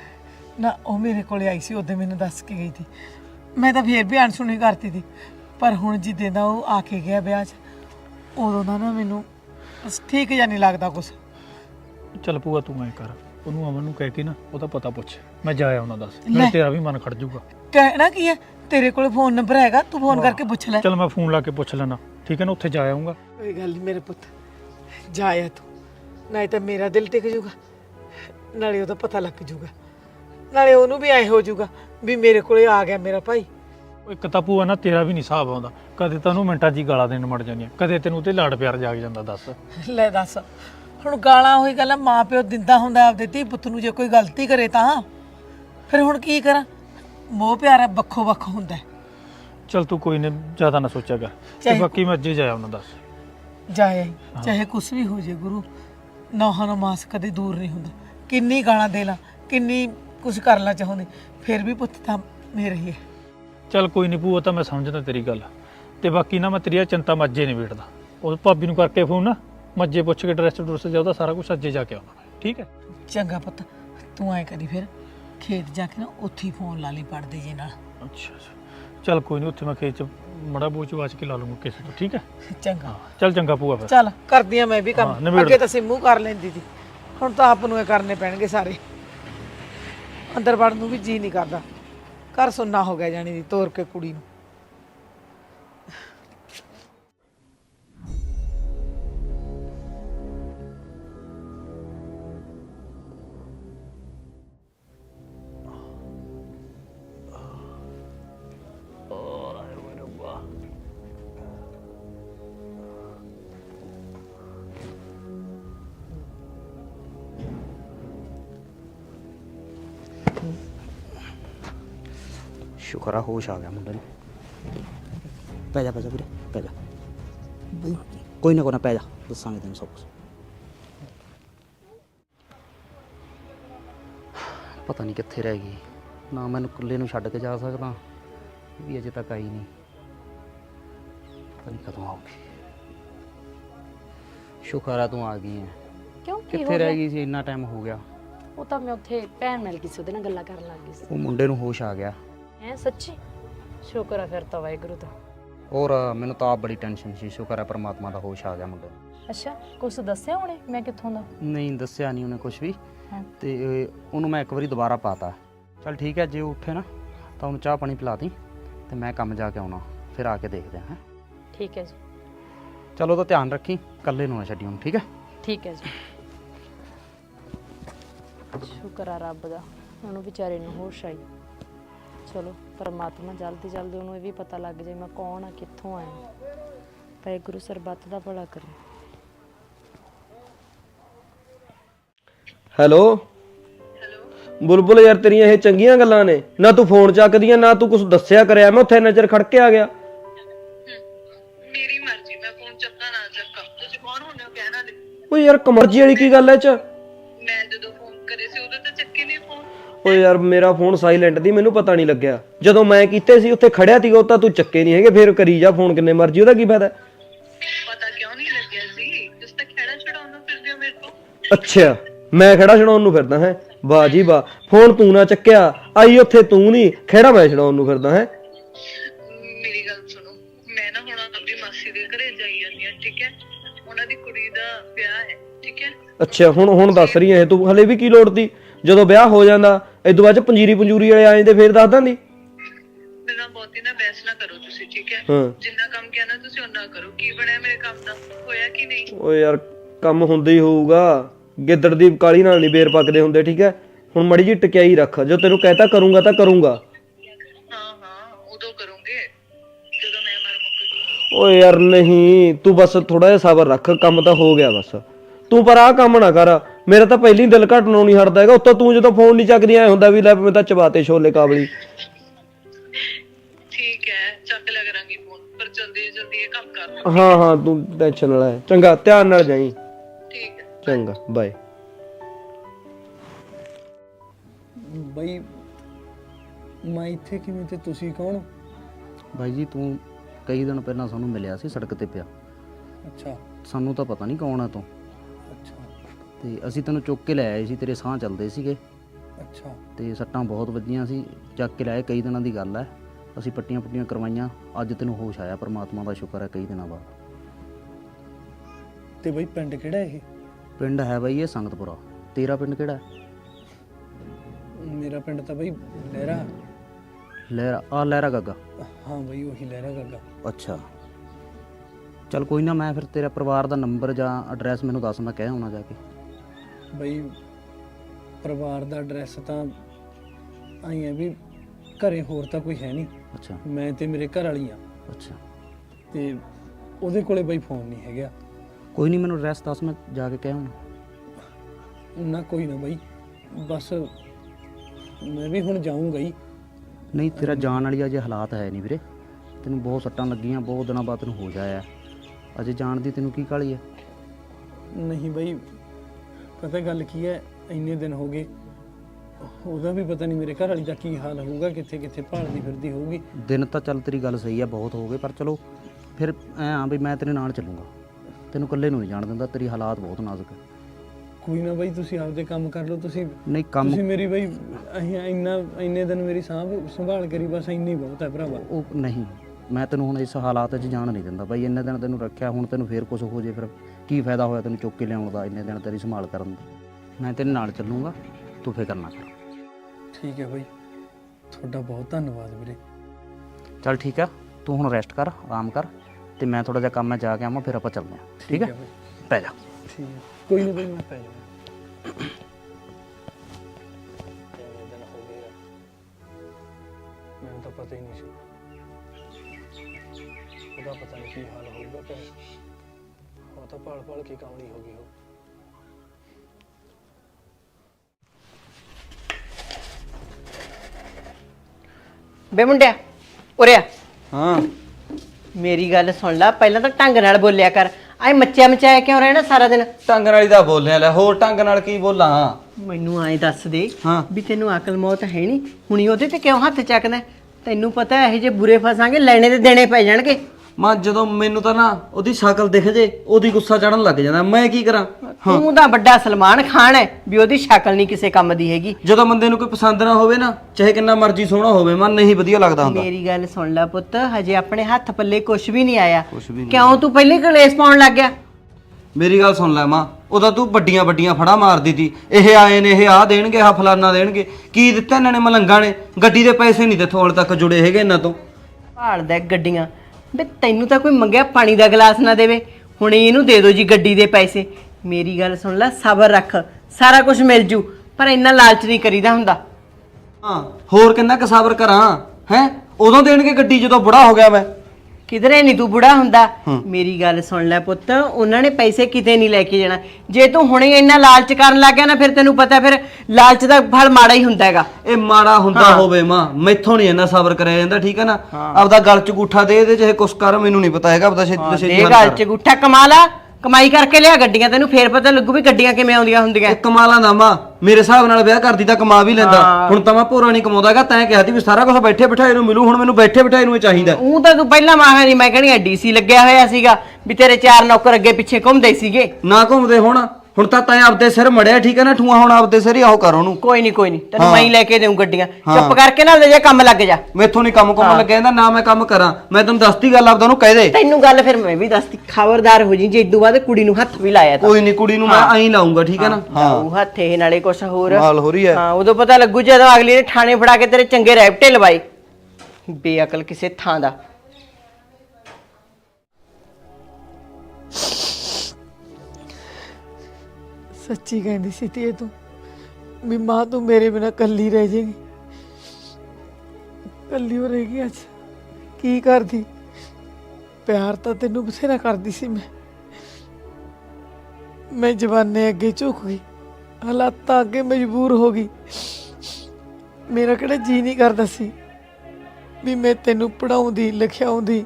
S5: ਨਾ ਉਹ ਮੇਰੇ ਕੋਲੇ ਆਈ ਸੀ, ਉਹਦੇ ਮੈਨੂੰ ਦੱਸ ਕੇ ਗਈ ਸੀ। ਮੈਂ ਤਾਂ ਫੇਰ ਵੀ ਅਣਸੁਣੀ ਕਰਤੀ ਸੀ, ਪਰ ਹੁਣ ਜਿੱਦਾਂ ਦਾ ਉਹ ਆ ਕੇ ਗਿਆ ਵਿਆਹ 'ਚ, ਉਦੋਂ ਦਾ ਨਾ ਮੈਨੂੰ ਬਸ ਠੀਕ ਜਿਹਾ ਨਹੀਂ ਲੱਗਦਾ ਕੁਛ।
S6: ਚੱਲ ਭੂਆ ਤੂੰ ਐਂ ਕਰ, ਉਹਨੂੰ ਅਮਨ ਨੂੰ ਕਹਿ ਕੇ ਨਾ ਉਹਦਾ ਪਤਾ ਪੁੱਛ, ਮੈਂ ਜਾ ਆਉਣਾ। ਦੱਸ,
S5: ਲੈ।
S6: ਨਾਲੇ ਤੇਰਾ ਵੀ ਮਨ ਖੜ ਜਾਊਗਾ।
S5: ਕਹਿਣਾ ਕੀ ਹੈ, ਤੇਰੇ ਕੋਲੇ ਫੋਨ ਨੰਬਰ ਹੈਗਾ, ਤੂੰ ਫੋਨ ਕਰਕੇ ਪੁੱਛ ਲੈ।
S6: ਚੱਲ ਮੈਂ ਫੋਨ ਲਾ ਕੇ ਪੁੱਛ ਲੈਣਾ। ਠੀਕ ਹੈ ਨਾ? ਉੱਥੇ ਜਾ ਆਊਂਗਾ।
S5: ਕੋਈ ਗੱਲ ਨਹੀਂ ਮੇਰੇ ਪੁੱਤ, ਜਾ ਆ ਤੂੰ, ਨਹੀਂ ਤਾਂ ਮੇਰਾ ਦਿਲ ਟਿਕ ਜਾਊਗਾ, ਨਾਲੇ ਉਹਦਾ ਪਤਾ ਲੱਗ ਜਾਊਗਾ, ਨਾਲੇ ਉਹਨੂੰ ਵੀ ਐ ਹੋ ਜਾਊਗਾ ਵੀ ਮੇਰੇ ਕੋਲੇ ਆ ਗਿਆ ਮੇਰਾ ਭਾਈ।
S6: ਉਹ ਇੱਕ ਤਾਂ ਭੂਆ ਨਾ ਤੇਰਾ ਵੀ ਨਹੀਂ ਹਿਸਾਬ ਆਉਂਦਾ, ਕਦੇ ਤਾਂ ਉਹਨੂੰ ਮਿੰਟਾਂ 'ਚ ਹੀ ਗਾਲਾਂ ਦੇਣ ਮੜ ਜਾਂਦੀਆਂ, ਕਦੇ ਤੈਨੂੰ ਤੇ ਲਾਡ ਪਿਆਰ ਜਾਗ ਜਾਂਦਾ। ਦੱਸ।
S5: ਲੈ ਦੱਸ, ਹੁਣ ਗਾਲਾਂ ਉਹੀ ਗੱਲ ਆ, ਮਾਂ ਪਿਓ ਦਿੰਦਾ ਹੁੰਦਾ ਆਪਦੇ ਧੀ ਪੁੱਤ ਨੂੰ, ਜੇ ਕੋਈ ਗਲਤੀ ਕਰੇ ਤਾਂ। ਫਿਰ ਹੁਣ ਕੀ ਕਰਾਂ? ਮੋਹ ਪਿਆਰਾ ਵੱਖੋ ਵੱਖ ਹੁੰਦਾ ਹੈ।
S6: ਚਲ ਤੂੰ ਕੋਈ ਨਹੀਂ ਜ਼ਿਆਦਾ ਨਾ ਸੋਚਿਆ ਕਰ ਤੇ
S5: ਚਾਹੇ-
S6: ਬਾਕੀ ਮੈਂ ਅੱਜੇ ਜਾਇਆ ਉਹਨਾਂ ਦੱਸ
S5: ਜਾਏ ਚਾਹੇ ਕੁਛ ਵੀ ਹੋ ਜੇ ਗੁਰੂ, ਨੌਹਾਂ ਨੂੰ ਮਾਸ ਕਦੇ ਦੂਰ ਨਹੀਂ ਹੁੰਦਾ। ਕਿੰਨੀ ਗਾਲਾਂ ਦੇ ਲਾਂ, ਕਿੰਨੀ ਕੁਛ ਕਰ ਲਾ ਚਾਹੁੰਦੇ, ਫਿਰ ਵੀ ਪੁੱਤ ਤਾਂ ਮੇਰੇ ਹੀ ਹੈ।
S6: ਚੱਲ ਕੋਈ ਨਹੀਂ ਭੂਆ, ਤਾਂ ਮੈਂ ਸਮਝਦਾ ਤੇਰੀ ਗੱਲ ਤੇ ਬਾਕੀ ਨਾ ਮੈਂ ਤੇਰੀ ਆਹ ਚਿੰਤਾ ਮੈਂ ਅੱਜੇ ਨਹੀਂ ਵੇਟਦਾ। ਉਹ ਭਾਬੀ ਨੂੰ ਕਰਕੇ ਫੋਨ ਨਾ ਮੱਜੇ ਪੁੱਛ ਕੇ ਡਰੈਸ ਡਰੈਸ ਜਾ ਉਹਦਾ ਸਾਰਾ ਕੁਝ ਅੱਜੇ ਜਾ ਕੇ ਆਉਣਾ ਮੈਂ, ਠੀਕ ਹੈ?
S5: ਚੰਗਾ ਪੁੱਤ, ਤੂੰ ਐ ਕਰੀ ਫਿਰ ਖੇਤ ਜਾ ਕੇ ਨਾ ਉੱਥੇ ਹੀ ਫੋਨ ਲਾ ਲਈ ਪੜਦੇ ਜੇ ਨਾਲ।
S6: ਅੱਛਾ ਅੱਛਾ ਚੱਲ ਕੋਈ ਨਹੀਂ, ਉੱਥੇ ਮੈਂ ਖੇਤ ਚ ਮੜਾ ਬੋਚ ਵਾਚ ਕੇ ਲਾ ਲੂੰਗਾ ਕਿਸੇ ਤੋਂ, ਠੀਕ ਹੈ?
S5: ਚੰਗਾ
S6: ਚੱਲ ਚੰਗਾ ਭੂਆ ਫਿਰ।
S5: ਚੱਲ ਕਰਦੀ ਆ ਮੈਂ ਵੀ
S6: ਹਾਂ,
S5: ਕੰਮ।
S6: ਨਿਬੇੜ
S5: ਅੱਗੇ ਤਾਂ ਸਿੰਮੂ ਕਰ ਲੈਂਦੀ ਸੀ, ਹੁਣ ਤਾਂ ਆਪ ਨੂੰ ਇਹ ਕਰਨੇ ਪੈਣਗੇ ਸਾਰੇ। ਅੰਦਰ ਵੜਨ ਨੂੰ ਵੀ ਜੀ ਨਹੀਂ ਕਰਦਾ, ਘਰ ਸੁੰਨਾ ਹੋ ਗਿਆ ਜਾਣੀ ਦੀ ਤੋਰ ਕੇ ਕੁੜੀ ਨੂੰ।
S2: ਸ਼ੁਕਰ ਆ ਹੋਸ਼ ਆ ਗਿਆ ਮੁੰਡੇ ਨੂੰ। ਪੈ ਜਾ ਪੈ ਜਾ ਵੀਰੇ, ਪੈ ਜਾ। ਕੋਈ ਨਾ ਕੋਈ ਨਾ, ਪੈ ਜਾ, ਦੱਸਾਂਗੇ ਤੈਨੂੰ ਸਭ ਕੁਛ। ਪਤਾ ਨਹੀਂ ਕਿੱਥੇ ਰਹਿ ਗਈ, ਨਾ ਮੈਨੂੰ ਇਕੱਲੇ ਨੂੰ ਛੱਡ ਕੇ ਜਾ ਸਕਦਾ, ਇਹ ਵੀ ਅਜੇ ਤੱਕ ਆਈ ਨਹੀਂ। ਪਤਾ ਨਹੀਂ ਕਦੋਂ ਆਊਗੀ। ਸ਼ੁਕਰ ਆ ਤੂੰ ਆ ਗਈ ਹੈ।
S7: ਕਿਉਂ ਕੀ ਹੋ
S2: ਕਿੱਥੇ ਰਹਿ
S7: ਗਿਆ?
S2: ਗਈ ਸੀ, ਇੰਨਾ ਟਾਈਮ ਹੋ ਗਿਆ।
S7: ਉਹ ਤਾਂ ਮੈਂ ਉੱਥੇ ਭੈਣ ਮਿਲ ਗਈ ਸੀ, ਉਹਦੇ ਨਾਲ ਗੱਲਾਂ ਕਰਨ ਲੱਗ ਗਈ ਸੀ।
S2: ਉਹ ਮੁੰਡੇ ਨੂੰ ਹੋਸ਼ ਆ ਗਿਆ।
S7: ਹੈ ਸੱਚੀ? ਸ਼ੁਕਰ ਆ ਫਿਰ ਤਾਂ ਵਾਹਿਗੁਰੂ ਦਾ।
S2: ਔਰ ਮੈਨੂੰ ਤਾਂ ਆਪ ਬੜੀ ਟੈਨਸ਼ਨ ਸੀ। ਸ਼ੁਕਰ ਹੈ ਪਰਮਾਤਮਾ ਦਾ ਹੋਸ਼ ਆ ਗਿਆ ਮੁੰਡੇ ਨੂੰ।
S7: ਅੱਛਾ, ਕੁਛ ਦੱਸਿਆ ਉਹਨੇ ਮੈਂ ਕਿੱਥੋਂ ਦਾ?
S2: ਨਹੀਂ ਦੱਸਿਆ ਨਹੀਂ ਉਹਨੇ ਕੁਝ ਵੀ।
S7: ਹਾਂ।
S2: ਤੇ ਉਹਨੂੰ ਮੈਂ ਇੱਕ ਵਾਰੀ ਦੁਬਾਰਾ ਪਾਤਾ। ਚਲ ਠੀਕ ਹੈ, ਜੇ ਉਹ ਉੱਠੇ ਨਾ ਤਾਂ ਉਹਨੂੰ ਚਾਹ ਪਾਣੀ ਪਿਲਾ ਦੀ ਤੇ ਮੈਂ ਕੰਮ ਜਾ ਕੇ ਆਉਣਾ, ਫਿਰ ਆ ਕੇ ਦੇਖਦੇ ਹਾਂ।
S7: ਠੀਕ ਹੈ ਜੀ।
S2: ਚਲੋ ਉਹਦਾ ਧਿਆਨ ਰੱਖੀ, ਇਕੱਲੇ ਨੂੰ ਨਾ ਛੱਡੀ ਉਹਨੂੰ, ਠੀਕ ਹੈ?
S7: ਠੀਕ ਹੈ ਜੀ। ਸ਼ੁਕਰ ਆ ਰੱਬ ਦਾ, ਉਹਨੂੰ ਵਿਚਾਰੇ ਨੂੰ ਹੋਸ਼ ਆਈ। ਚਲੋ ਪਰਮਾਤਮਾ ਜਲਦੀ ਜਲਦੀ ਉਹਨੂੰ ਇਹ ਵੀ ਪਤਾ ਲੱਗ ਜਾਏ ਮੈਂ ਕੌਣ ਆ, ਕਿੱਥੋਂ ਆਇਆ। ਵਾਹਿਗੁਰੂ ਸਰਬੱਤ ਦਾ ਭਲਾ ਕਰੇ।
S8: ਹੈਲੋ ਹੈਲੋ ਬੁਲਬੁਲ, ਯਾਰ ਤੇਰੀਆਂ ਇਹ ਚੰਗੀਆਂ ਗੱਲਾਂ ਨੇ ਨਾ, ਤੂੰ ਫੋਨ ਚੱਕਦੀ ਆ ਨਾ ਤੂੰ ਕੁਝ ਦੱਸਿਆ ਕਰਿਆ। ਮੈਂ ਉੱਥੇ ਨਜ਼ਰ ਖੜ ਕੇ ਆ ਗਿਆ।
S9: ਮੇਰੀ ਮਰਜ਼ੀ, ਮੈਂ ਫੋਨ ਚੱਕਾਂ ਨਾ ਚੱਕਾਂ, ਤੁਸੀਂ ਕੌਣ ਹੁੰਦੇ ਹੋ ਕਹਿਣਾ ਦੇ।
S8: ਓਏ ਯਾਰ ਕਮਰਜੀ ਵਾਲੀ ਕੀ ਗੱਲ ਐ ਚ?
S9: ਮੈਂ ਜਦੋਂ ਫੋਨ ਕਰੇ ਸੀ ਉਦੋਂ ਤਾਂ ਚੱਕੇ ਨਹੀਂ ਫੋਨ।
S8: ਓਏ ਯਾਰ ਮੇਰਾ ਫੋਨ ਸਾਇਲੈਂਟ ਦੀ, ਮੈਨੂੰ ਪਤਾ ਨਹੀਂ ਲੱਗਿਆ। ਜਦੋਂ ਮੈਂ ਕੀਤੇ ਸੀ ਉੱਥੇ ਖੜਿਆ ਸੀਗਾ, ਉਹ ਤਾਂ ਤੂੰ ਚੱਕੇ ਨਹੀਂ ਹੈਗੇ। ਫਿਰ ਕਰੀ ਜਾ ਫੋਨ ਕਿੰਨੇ ਮਰਜ਼ੀ, ਉਹਦਾ ਕੀ ਫਾਇਦਾ?
S9: ਪਤਾ ਕਿਉਂ ਨਹੀਂ ਲੱਗਿਆ ਸੀ? ਤੁਸੀਂ ਤਾਂ ਖੇੜਾ ਛਡਾਉਣ ਨੂੰ ਫਿਰਦੇ ਹੋ ਮੇਰੇ ਤੋਂ।
S8: ਅੱਛਾ, ਮੈਂ ਖੜਾ ਛਡਾਉਣ ਨੂੰ ਫਿਰਦਾ ਹੈ? ਵਾਹ ਜੀ ਵਾਹ, ਫੋਨ ਤੂੰ ਨਾ ਚੱਕਿਆ, ਆਈ ਉੱਥੇ ਤੂੰ ਨਹੀਂ, ਖੇੜਾ ਮੈਂ ਛਡਾਉਣ ਨੂੰ ਫਿਰਦਾ ਹੈ।
S9: ਮੇਰੀ ਗੱਲ ਸੁਣੋ, ਮੈਂ ਨਾ ਹੁਣ ਆਪਣੀ ਮਾਸੀ ਦੇ ਘਰੇ ਜਾਈ ਜਾਂਦੀ ਹਾਂ, ਠੀਕ ਹੈ? ਉਹਨਾਂ ਦੀ ਕੁੜੀ ਦਾ ਵਿਆਹ ਹੈ, ਠੀਕ ਹੈ?
S8: ਅੱਛਾ, ਹੁਣ ਹੁਣ ਦੱਸ ਰਹੀ ਐ ਤੂੰ, ਹਲੇ ਵੀ ਕੀ ਲੋੜ ਤੀ? ਜਦੋਂ ਵਿਆਹ ਹੋ ਜਾਂਦਾ ਇਦੋਂ ਬਾਅਦ ਚ ਪੰਜੀਰੀ ਪੰਜੂਰੀ ਵਾਲੇ ਆ ਜਾਂਦੇ, ਫੇਰ ਦੱਸ ਦਾਂਦੀ।
S9: ਮੇਰੇ ਨਾਲ ਬਹੁਤੀ ਨਾ ਬਹਿਸ ਨਾ ਕਰੋ ਤੁਸੀਂ, ਠੀਕ ਹੈ?
S8: ਹਾਂ।
S9: ਜਿੰਨਾ ਕੰਮ ਕਿਹਾ ਨਾ ਤੁਸੀਂ ਓਨਾ ਕਰੋ। ਕੀ ਬਣਿਆ ਮੇਰੇ ਕੰਮ ਦਾ? ਹੋਇਆ ਕਿ ਨਹੀਂ?
S8: ਓਏ ਯਾਰ ਕੰਮ ਹੁੰਦਾ ਹੀ ਹੋਊਗਾ, ਗਿੱਦੜ ਦੀ ਕਾਲੀ ਨਾਲ ਨਹੀਂ ਬੇਰ ਪੱਕਦੇ ਹੁੰਦੇ, ਠੀਕ ਹੈ? ਹੁਣ ਮੜੀ ਜੀ ਟਕਿਆਈ ਰੱਖ, ਜੋ ਤੈਨੂੰ ਕਹਿਤਾ ਕਰੂੰਗਾ ਤਾਂ ਕਰੂੰਗਾ।
S9: ਹਾਂ ਹਾਂ ਉਦੋਂ ਕਰੋਗੇ ਜਦੋਂ ਮੈਂ ਮਰ ਮੁੱਕ ਗਈ।
S8: ਓਏ ਯਾਰ ਨਹੀਂ, ਤੂੰ ਬਸ ਥੋੜਾ ਜਿਹਾ ਸਬਰ ਰੱਖ, ਕੰਮ ਤਾਂ ਹੋ ਗਿਆ ਬਸ। ਤੂੰ ਪਰ ਆਹ ਕੰਮ ਨਾ ਕਰ, ਮੇਰਾ ਤਾਂ ਪਹਿਲੀ ਦਿਲ ਘਟਣੋਂ ਨਹੀਂ ਹਟਦਾ ਹੈਗਾ। ਉੱਤੋਂ ਤੂੰ ਜਦੋਂ ਫੋਨ ਨਹੀਂ ਚੱਕਦੀ ਐ ਹੁੰਦਾ ਵੀ ਲੈ ਮੈਂ ਤਾਂ ਚਬਾਤੇ ਛੋਲੇ ਕਾਬਲੀ।
S9: ਠੀਕ ਹੈ, ਚੱਕ ਲਿਆ ਕਰਾਂਗੀ ਫੋਨ, ਪਰ ਜਲਦੀ ਜਲਦੀ ਇਹ ਕੰਮ ਕਰ ਲਓ।
S8: ਹਾਂ ਹਾਂ ਤੂੰ ਟੈਨਸ਼ਨ ਨਾ ਲੈ, ਚੰਗਾ ਧਿਆਨ ਨਾਲ ਜਾਈਂ।
S9: ਠੀਕ ਹੈ,
S8: ਚੰਗਾ ਬਾਏ।
S1: ਬਈ ਮੈਂ ਇੱਥੇ ਕਿਵੇਂ ਤੇ ਤੁਸੀਂ ਕੌਣ?
S2: ਬਾਈ ਜੀ ਤੂੰ ਕਈ ਦਿਨ ਪਹਿਲਾਂ ਸਾਨੂੰ ਮਿਲਿਆ ਸੀ ਸੜਕ ਤੇ ਪਿਆ।
S1: ਅੱਛਾ
S2: ਸਾਨੂੰ ਤਾਂ ਪਤਾ ਨਹੀਂ ਕੌਣ ਆ ਤੂੰ,
S1: ਅੱਛਾ
S2: ਤੇ ਅਸੀਂ ਤੈਨੂੰ ਚੁੱਕ ਕੇ ਲੈ ਆਏ ਸੀ। ਤੇਰੇ ਸਾਹ ਚੱਲਦੇ ਸੀਗੇ
S1: ਅੱਛਾ
S2: ਤੇ ਸੱਟਾਂ ਬਹੁਤ ਵੱਜੀਆਂ ਸੀ, ਚੱਕ ਕੇ ਲਾਏ। ਕਈ ਦਿਨਾਂ ਦੀ ਗੱਲ ਹੈ, ਅਸੀਂ ਪੱਟੀਆਂ ਪੁੱਟੀਆਂ ਕਰਵਾਈਆਂ, ਅੱਜ ਤੈਨੂੰ ਹੋਸ਼ ਆਇਆ, ਪਰਮਾਤਮਾ ਦਾ ਸ਼ੁਕਰ ਹੈ ਕਈ ਦਿਨਾਂ ਬਾਅਦ।
S1: ਤੇ ਬਈ ਪਿੰਡ ਕਿਹੜਾ ਇਹ?
S2: ਪਿੰਡ ਹੈ ਬਾਈ ਇਹ ਸੰਗਤਪੁਰਾ। ਤੇਰਾ ਪਿੰਡ ਕਿਹੜਾ ਹੈ?
S1: ਮੇਰਾ ਪਿੰਡ ਤਾਂ ਬਈ ਲਹਿਰਾ।
S2: ਲਹਿਰਾ, ਆ ਲਹਿਰਾ ਗੱਗਾ।
S1: ਹਾਂ ਬਈ ਉਹੀ ਲਹਿਰਾ ਗੱਗਾ।
S2: ਅੱਛਾ ਚੱਲ ਕੋਈ ਨਾ, ਮੈਂ ਫਿਰ ਤੇਰਾ ਪਰਿਵਾਰ ਦਾ ਨੰਬਰ ਜਾਂ ਐਡਰੈਸ ਮੈਨੂੰ ਦੱਸ, ਮੈਂ ਕਹਿ ਆਉਣਾ ਜਾ ਕੇ।
S1: ਬਈ ਪਰਿਵਾਰ ਦਾ ਐਡਰੈਸ ਤਾਂ ਆਈ ਹੈ ਵੀ ਘਰੇ ਹੋਰ ਤਾਂ ਕੋਈ ਹੈ ਨਹੀਂ,
S2: ਅੱਛਾ
S1: ਮੈਂ ਤੇ ਮੇਰੇ ਘਰ ਵਾਲੀ ਆ,
S2: ਅੱਛਾ
S1: ਤੇ ਉਹਦੇ ਕੋਲੇ ਬਈ ਫੋਨ ਨਹੀਂ ਹੈਗਾ।
S2: ਕੋਈ ਨਹੀਂ, ਮੈਨੂੰ ਐਡਰੈਸ ਦੱਸ, ਮੈਂ ਜਾ ਕੇ ਕਹਿ ਆਉਣਾ।
S1: ਨਾ ਕੋਈ ਨਾ ਬਈ, ਬਸ ਮੈਂ ਵੀ ਹੁਣ ਜਾਊਂਗਾ ਹੀ।
S2: ਨਹੀਂ ਤੇਰਾ ਜਾਣ ਵਾਲੀ ਅਜੇ ਹਾਲਾਤ ਹੈ ਨਹੀਂ ਵੀਰੇ, ਤੈਨੂੰ ਬਹੁਤ ਸੱਟਾਂ ਲੱਗੀਆਂ, ਬਹੁਤ ਦਿਨਾਂ ਬਾਅਦ ਤੈਨੂੰ ਹੋ ਜਾਇਆ, ਅਜੇ ਜਾਣ ਦੀ ਤੈਨੂੰ ਕੀ ਕਾਹਲੀ ਹੈ?
S1: ਨਹੀਂ ਬਈ, ਪਤਾ ਗੱਲ ਕੀ ਹੈ, ਇੰਨੇ ਦਿਨ ਹੋ ਗਏ, ਉਹਦਾ ਵੀ ਪਤਾ ਨਹੀਂ ਮੇਰੇ ਘਰ ਵਾਲੀ ਦਾ ਕੀ ਹਾਲ ਹੋਊਗਾ, ਕਿੱਥੇ ਕਿੱਥੇ ਭਾਲਦੀ ਫਿਰਦੀ ਹੋਊਗੀ।
S2: ਦਿਨ ਤਾਂ ਚੱਲ ਤੇਰੀ ਗੱਲ ਸਹੀ ਹੈ, ਬਹੁਤ ਹੋ ਗਏ, ਪਰ ਚਲੋ ਫਿਰ ਐ ਆ ਵੀ ਮੈਂ ਤੇਰੇ ਨਾਲ ਚੱਲੂੰਗਾ, ਤੈਨੂੰ ਇਕੱਲੇ ਨੂੰ ਨਹੀਂ ਜਾਣ ਦਿੰਦਾ, ਤੇਰੀ ਹਾਲਾਤ ਬਹੁਤ ਨਾਜ਼ੁਕ ਹੈ।
S1: ਕੋਈ ਨਾ ਬਈ, ਤੁਸੀਂ ਆਪਦੇ ਕੰਮ ਕਰ ਲਓ। ਤੁਸੀਂ
S2: ਨਹੀਂ ਕੰਮ
S1: ਤੁਸੀਂ ਮੇਰੀ ਬਈ ਅਸੀਂ ਇੰਨਾ ਇੰਨੇ ਦਿਨ ਮੇਰੀ ਸਾਂਭ ਸੰਭਾਲ ਕਰੀ, ਬਸ ਇੰਨੀ ਬਹੁਤ ਹੈ ਭਰਾਵਾ।
S2: ਉਹ ਨਹੀਂ, ਮੈਂ ਤੈਨੂੰ ਹੁਣ ਇਸ ਹਾਲਾਤ 'ਚ ਜਾਣ ਨਹੀਂ ਦਿੰਦਾ ਬਾਈ, ਇੰਨੇ ਦਿਨ ਤੈਨੂੰ ਰੱਖਿਆ, ਹੁਣ ਤੈਨੂੰ ਫੇਰ ਕੁਝ ਹੋ ਜੇ ਫਿਰ ਕੀ ਫਾਇਦਾ ਹੋਇਆ ਤੈਨੂੰ ਚੁੱਕ ਕੇ ਲਿਆਉਣ ਦਾ, ਇੰਨੇ ਦਿਨ ਤੇਰੀ ਸੰਭਾਲ ਕਰਨ ਦਾ। ਮੈਂ ਤੇਰੇ ਨਾਲ ਚੱਲੂੰਗਾ, ਤੂੰ ਫਿਕਰ ਨਾ ਕਰ।
S1: ਠੀਕ ਹੈ ਬਈ, ਤੁਹਾਡਾ ਬਹੁਤ ਧੰਨਵਾਦ ਵੀਰੇ।
S2: ਚੱਲ ਠੀਕ ਆ, ਤੂੰ ਹੁਣ ਰੈਸਟ ਕਰ, ਆਰਾਮ ਕਰ, ਤੇ ਮੈਂ ਥੋੜਾ ਜਿਹਾ ਕੰਮ ਮੈਂ ਜਾ ਕੇ ਆਵਾਂ, ਫਿਰ ਆਪਾਂ ਚੱਲਦੇ ਹਾਂ। ਠੀਕ ਹੈ,
S1: ਬਈ,
S2: ਪੈ ਜਾ।
S1: ਠੀਕ ਹੈ, ਕੋਈ ਨਹੀਂ ਬਈ, ਮੈਂ ਪੈ ਜਾਵਾਂ। ਮੈਨੂੰ ਤਾਂ ਪਤਾ ਹੀ ਨਹੀਂ ਸੀ, ਉਹਦਾ ਪਤਾ ਨਹੀਂ ਕੀ ਹਾਲ ਹੋਊਗਾ, ਪਰ ਉਹ ਤਾਂ ਭਾਲ ਭਾਲ ਕੇ ਕਾਮਲੀ ਹੋ ਗਈ ਹੋ।
S10: ਬੇ ਮੁੰਡਿਆ ਉਰੇ ਆ।
S8: ਹਾਂ
S10: ਮੇਰੀ ਗੱਲ ਸੁਣ ਲੈ, ਪਹਿਲਾਂ ਤਾਂ ਢੰਗ ਨਾਲ ਬੋਲਿਆ ਕਰ, ਐ ਮੱਚਿਆ ਮਚਾਇਆ ਕਿਉਂ ਰਹਿਣਾ ਸਾਰਾ ਦਿਨ?
S8: ਢੰਗ ਨਾਲ ਹੀ ਤਾਂ ਬੋਲਿਆ, ਲੈ ਹੋਰ ਢੰਗ ਨਾਲ ਕੀ ਬੋਲਾਂ?
S10: ਮੈਨੂੰ ਐਂ ਦੱਸ ਦੇ
S8: ਹਾਂ।
S10: ਵੀ ਤੈਨੂੰ ਅਕਲ ਮੌਤ ਹੈ ਨਹੀਂ, ਹੁਣੀ ਉਹਦੇ ਤੇ ਕਿਉਂ ਹੱਥ ਚੱਕਦਾ? ਤੈਨੂੰ ਪਤਾ ਇਹੋ ਜੇ ਬੁਰੇ ਫਸਾਂਗੇ ਲੈਣੇ ਤੇ ਦੇਣੇ ਪੈ ਜਾਣਗੇ।
S8: ਮਾਂ ਜਦੋਂ ਮੈਨੂੰ ਤਾਂ ਨਾ ਉਹਦੀ ਸ਼ਕਲ ਦਿਖ ਜੇ ਉਹਦੀ ਗੁੱਸਾ ਚੜਨ ਲੱਗ ਜਾਂਦਾ, ਮੈਂ ਕੀ ਕਰਾਂ?
S10: ਤੂੰ ਤਾਂ ਵੱਡਾ ਸਲਮਾਨ ਖਾਨ ਹੈ ਵੀ ਉਹਦੀ ਸ਼ਕਲ ਨਹੀਂ ਕਿਸੇ ਕੰਮ ਦੀ ਹੈਗੀ।
S8: ਜਦੋਂ ਬੰਦੇ ਨੂੰ ਕੋਈ ਪਸੰਦ ਨਾ ਹੋਵੇ ਨਾ, ਚਾਹੇ ਕਿੰਨਾ ਮਰਜ਼ੀ ਸੋਹਣਾ ਹੋਵੇ, ਮਨ ਨਹੀਂ ਵਧੀਆ ਲੱਗਦਾ ਹੁੰਦਾ।
S10: ਮੇਰੀ ਗੱਲ ਸੁਣ ਲੈ ਪੁੱਤ, ਹਜੇ ਆਪਣੇ ਹੱਥ ਪੱਲੇ ਕੁਝ ਵੀ ਨਹੀਂ ਆਇਆ,
S8: ਕੁਛ ਵੀ ਨਹੀਂ।
S10: ਕਿਉਂ ਤੂੰ ਪਹਿਲੇ ਕਲੇਸ਼ ਪਾਉਣ ਲੱਗ ਗਿਆ?
S8: ਮੇਰੀ ਗੱਲ ਸੁਣ ਲੈ ਮਾਂ, ਉਹਦਾ ਤੂੰ ਵੱਡੀਆਂ ਵੱਡੀਆਂ ਫੜਾ ਮਾਰਦੀ ਤੀ, ਇਹ ਆਏ ਨੇ, ਇਹ ਆਹ ਦੇਣਗੇ, ਆਹ ਫਲਾਨਾ ਦੇਣਗੇ, ਕੀ ਦਿੱਤਾ ਇਹਨਾਂ ਨੇ ਮਲੰਗਾਂ ਨੇ? ਗੱਡੀ ਦੇ ਪੈਸੇ ਨਹੀਂ ਤੇ ਹਾਲੇ ਤੱਕ ਜੁੜੇ ਹੈਗੇ ਇਹਨਾਂ ਤੋਂ।
S10: ਭਾਲਦਾ ਗੱਡੀਆਂ, ਬੇ ਤੈਨੂੰ ਤਾਂ ਕੋਈ ਮੰਗਿਆ ਪਾਣੀ ਦਾ ਗਲਾਸ ਨਾ ਦੇਵੇ, ਹੁਣ ਇਹਨੂੰ ਦੇ ਦਿਓ ਜੀ ਗੱਡੀ ਦੇ ਪੈਸੇ। ਮੇਰੀ ਗੱਲ ਸੁਣ ਲੈ, ਸਬਰ ਰੱਖ, ਸਾਰਾ ਕੁਝ ਮਿਲ ਜੂ, ਪਰ ਇੰਨਾ ਲਾਲਚ ਨਹੀਂ ਕਰੀਦਾ ਹੁੰਦਾ।
S8: ਹਾਂ, ਹੋਰ ਕਿੰਨਾ ਕੁ ਸਬਰ ਕਰਾਂ ਹੈ? ਉਦੋਂ ਦੇਣਗੇ ਗੱਡੀ ਜਦੋਂ ਬੁੜਾ ਹੋ ਗਿਆ ਮੈਂ।
S10: ਕਿਧਰੇ ਨਹੀਂ ਤੂੰ ਬੁੜਾ ਹੁੰਦਾ। ਮੇਰੀ ਗੱਲ ਸੁਣ ਲੈ ਪੁੱਤ, ਉਹਨਾਂ ਨੇ ਪੈਸੇ ਕਿਤੇ ਨਹੀਂ ਲੈ ਕੇ ਜਾਣਾ। ਜੇ ਤੂੰ ਹੁਣੇ ਇੰਨਾ ਲਾਲਚ ਕਰਨ ਲੱਗ ਗਿਆ ਨਾ, ਫਿਰ ਤੈਨੂੰ ਪਤਾ ਫਿਰ ਲਾਲਚ ਦਾ ਫਲ ਮਾੜਾ ਹੀ ਹੁੰਦਾ ਹੈਗਾ।
S8: ਇਹ ਮਾੜਾ ਹੁੰਦਾ ਹੋਵੇ ਮਾਂ, ਮੈਥੋਂ ਨਹੀਂ ਇੰਨਾ ਸਬਰ ਕਰਿਆ ਜਾਂਦਾ, ਠੀਕ ਹੈ ਨਾ? ਆਪਦਾ ਗਲ ਚ ਗੂਠਾ ਦੇ, ਇਹਦੇ ਚ ਕੁਛ ਕਰ, ਮੈਨੂੰ ਨਹੀਂ ਪਤਾ ਹੈਗਾ, ਆਪਦਾ ਛੇਤੀ ਤੋਂ ਛੇਤੀ
S10: ਇਹ
S8: ਹੱਲ
S10: ਗੱਲ
S8: ਕਰ।
S10: ਚ ਗੁੱਠਾ ਕਮਾ ਲਾ, ਕਮਾਈ ਕਰਕੇ ਲਿਆ ਗੱਡੀਆਂ, ਤੈਨੂੰ ਫੇਰ ਪਤਾ ਲੱਗੂ ਵੀ ਗੱਡੀਆਂ ਕਿਵੇਂ ਆਉਂਦੀਆਂ ਹੁੰਦੀਆਂ।
S8: ਇਹ ਕਮਾਲਾਂ ਦਾ ਮਾਂ, ਮੇਰੇ ਹਿਸਾਬ ਨਾਲ ਵਿਆਹ ਕਰਦੀ ਤਾਂ ਕਮਾ ਵੀ ਲੈਂਦਾ, ਹੁਣ ਤਾਂ ਮੈਂ ਭੋਰਾ ਨਹੀਂ ਕਮਾਉਂਦਾ ਹੈਗਾ। ਤੈਂ ਕਿਹਾ ਸੀ ਵੀ ਸਾਰਾ ਕੁਝ ਬੈਠੇ ਬਿਠਾਏ ਨੂੰ ਮਿਲੂ, ਹੁਣ ਮੈਨੂੰ ਬੈਠੇ ਬਿਠਾਏ ਨੂੰ ਹੀ ਚਾਹੀਦਾ।
S10: ਉਹ ਤਾਂ ਤੂੰ ਪਹਿਲਾਂ ਮਾਹਾਂ ਨਹੀਂ, ਮੈਂ ਕਹਿੰਦੀ ਡੀਸੀ ਲੱਗਿਆ ਹੋਇਆ ਸੀਗਾ ਵੀ ਤੇਰੇ ਚਾਰ ਨੌਕਰ ਅੱਗੇ ਪਿੱਛੇ ਘੁੰਮਦੇ ਸੀਗੇ।
S8: ਨਾ ਘੁੰਮਦੇ ਹੁਣ, ਹੁਣ ਤਾਂ ਤੈਂ ਆਪਦੇ ਸਿਰ ਮੜਿਆ, ਠੀਕ ਹੈ ਨਾ? ਠੂਆ ਹੁਣ ਆਪਦੇ ਸਿਰ ਹੀ ਆਓ ਕਰ ਉਹਨੂੰ।
S10: ਕੋਈ ਨਹੀਂ ਕੋਈ ਨਹੀਂ, ਤੈਨੂੰ ਮੈਂ ਹੀ ਲੈ ਕੇ ਦੇਉਂ ਗੱਡੀਆਂ, ਚੁੱਪ ਕਰਕੇ ਨਾ ਲੈ ਜਾ, ਕੰਮ ਲੱਗ ਜਾ।
S8: ਮੈਥੋਂ ਨਹੀਂ ਕੰਮ ਕੰਮ ਲੱਗਿਆ ਜਾਂਦਾ, ਨਾ ਮੈਂ ਕੰਮ ਕਰਾਂ। ਮੈਂ ਤੈਨੂੰ ਦੱਸਤੀ ਗੱਲ, ਆਪਦਾ ਉਹਨੂੰ ਕਹਿ ਦੇ।
S10: ਤੈਨੂੰ ਗੱਲ ਫਿਰ ਮੈਂ ਵੀ ਦੱਸਦੀ, ਖਬਰਦਾਰ ਹੋ ਜੀ ਜੇ ਇਦੋਂ ਬਾਅਦ ਕੁੜੀ ਨੂੰ ਹੱਥ ਵੀ ਲਾਇਆ ਤਾਂ।
S8: ਕੋਈ ਨਹੀਂ, ਕੁੜੀ ਨੂੰ ਮੈਂ ਐਂ ਲਾਉਂਗਾ, ਠੀਕ ਹੈ ਨਾ?
S10: ਉਹ ਹੱਥ ਇਹ ਨਾਲੇ ਕੁਛ ਹੋਰ
S8: ਮਾਲ ਹੋ ਰਹੀ ਹੈ।
S10: ਹਾਂ, ਉਦੋਂ ਪਤਾ ਲੱਗੂ ਜਦੋਂ ਅਗਲੀ ਨੇ ਥਾਣੇ ਫੜਾ ਕੇ ਤੇਰੇ ਚੰਗੇ ਰੈਪਟੇ ਲਵਾਏ। ਬੇਅਕਲ ਕਿਸੇ ਥਾਂ ਦਾ।
S5: ਸੱਚੀ ਕਹਿੰਦੀ ਸੀ ਤੇ ਤੂੰ ਵੀ ਮਾਂ ਤੂੰ ਮੇਰੇ ਬਿਨਾ ਕੱਲੀ ਰਹਿ ਜਾਏਗੀ, ਕੱਲੀ ਹੋ ਰਹੇਗੀ। ਅੱਜ ਕੀ ਕਰਦੀ? ਪਿਆਰ ਤਾਂ ਤੈਨੂੰ ਬਥੇਰਾ ਕਰਦੀ ਸੀ ਮੈਂ ਮੈਂ ਜਵਾਨੇ ਅੱਗੇ ਝੁਕ ਗਈ, ਹਾਲਾਤਾਂ ਅੱਗੇ ਮਜਬੂਰ ਹੋ ਗਈ। ਮੇਰਾ ਕਿਹੜਾ ਜੀ ਨਹੀਂ ਕਰਦਾ ਸੀ ਵੀ ਮੈਂ ਤੈਨੂੰ ਪੜਾਉਂਦੀ ਲਿਖਾਉਂਦੀ।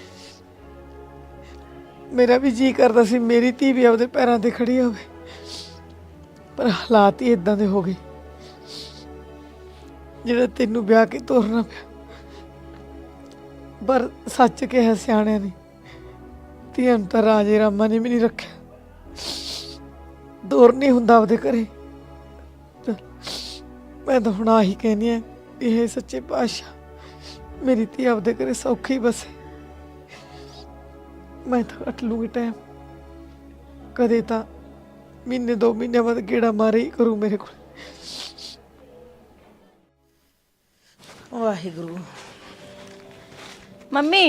S5: ਮੇਰਾ ਵੀ ਜੀ ਕਰਦਾ ਸੀ ਮੇਰੀ ਧੀ ਵੀ ਆਪਦੇ ਪੈਰਾਂ ਤੇ ਖੜੀ ਹੋਵੇ, ਪਰ ਹਾਲਾਤ ਹੀ ਇਦਾਂ ਦੇ ਹੋ ਗਏ ਜਿਹੜਾ ਤੈਨੂੰ ਵਿਆਹ ਕੇ ਤੋਰਨਾ ਪਿਆ। ਪਰ ਸੱਚ ਕਿਹਾ ਸਿਆਣਿਆਂ ਨੇ, ਧੀਆਂ ਨੂੰ ਤਾਂ ਰਾਜੇ ਰਾਮਾ ਨੇ ਵੀ ਨਹੀਂ ਰੱਖਿਆ। ਦੌਰ ਨਹੀਂ ਹੁੰਦਾ ਆਪਦੇ ਘਰੇ। ਮੈਂ ਤਾਂ ਹੁਣ ਆਹੀ ਕਹਿੰਦੀ ਆ, ਇਹ ਸੱਚੇ ਪਾਤਸ਼ਾਹ ਮੇਰੀ ਧੀ ਆਪਦੇ ਘਰੇ ਸੌਖੀ ਬਸੇ। ਮੈਂ ਤਾਂ ਕੱਟ ਲੂੰਗੀ ਟਾਈਮ, ਕਦੇ ਤਾਂ ਮਹੀਨੇ ਦੋ ਮਹੀਨੇ ਬਾਅਦ ਗੇੜਾ ਮਾਰੇ ਹੀ ਕਰੂ ਮੇਰੇ ਕੋਲ।
S10: ਵਾਹਿਗੁਰੂ। ਮੰਮੀ,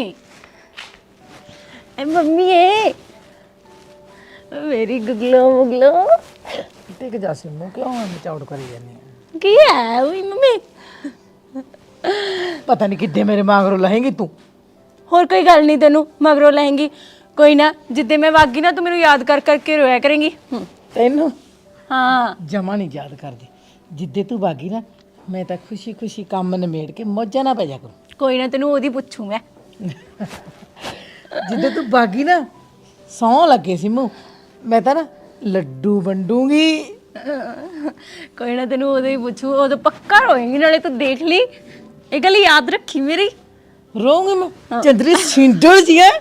S10: ਐ ਮੰਮੀ ਏ ਮੇਰੀ ਗੁਗਲੋ ਮੁਗਲੋ।
S5: ਟਿਕ ਜਾ ਸਿੰਮੂ, ਕਿਉਂ ਮਚਾਉੜ ਕਰੀ ਜਾਂਦੀ ਆ?
S3: ਕੀ ਹੈ ਓਏ ਮੰਮੀ?
S5: ਪਤਾ ਨਹੀਂ ਕਿੱਦੇ ਮੇਰੇ ਮਾਂਗਰੋਂ ਲਹੇਂਗੀ ਤੂੰ।
S3: ਹੋਰ ਕੋਈ ਗੱਲ ਨਹੀਂ, ਤੈਨੂੰ ਮਗਰੋਂ ਲਹਿੰਗੀ। ਕੋਈ ਨਾ, ਜਿੱਦੇ ਮੈਂ ਵਾਗੀ ਨਾ ਤੂੰ ਮੈਨੂੰ ਯਾਦ ਕਰ ਕਰਕੇ ਰੋਇਆ ਕਰੇਂਗੀ।
S5: ਤੈਨੂੰ
S3: ਹਾਂ,
S5: ਜਮਾ ਨਹੀਂ ਯਾਦ ਕਰਦੀ। ਜਿੱਦੇ ਤੂੰ ਬਾਗੀ ਨਾ ਮੈਂ ਤਾਂ ਖੁਸ਼ੀ ਖੁਸ਼ੀ ਕੰਮ ਨਿਮੇੜ ਕੇ ਮੌਜਾਂ ਨਾ ਪੈ ਜਾ ਕਰੂੰ।
S11: ਕੋਈ ਨਾ ਤੈਨੂੰ ਉਹਦੀ ਪੁੱਛੂ ਮੈਂ।
S5: ਜਿੱਦਾਂ ਤੂੰ ਬਾਗੀ ਨਾ ਸੌਂ ਲੱਗੇ ਸੀ ਮੂੰਹ, ਮੈਂ ਤਾਂ ਨਾ ਲੱਡੂ ਵੰਡੂਗੀ।
S11: ਕੋਈ ਨਾ ਤੈਨੂੰ ਉਹਦੇ ਹੀ ਪੁੱਛੂ, ਉਦੋਂ ਪੱਕਾ ਰੋਏਂਗੀ। ਨਾਲੇ ਤੂੰ ਦੇਖ ਲਈ, ਇਹ ਗੱਲ ਯਾਦ ਰੱਖੀ ਮੇਰੀ।
S5: ਰੋਉਂਗੀ ਮੈਂ ਚੰਦਰੀ ਸਿੰਡਲ ਜੀ ਹੈ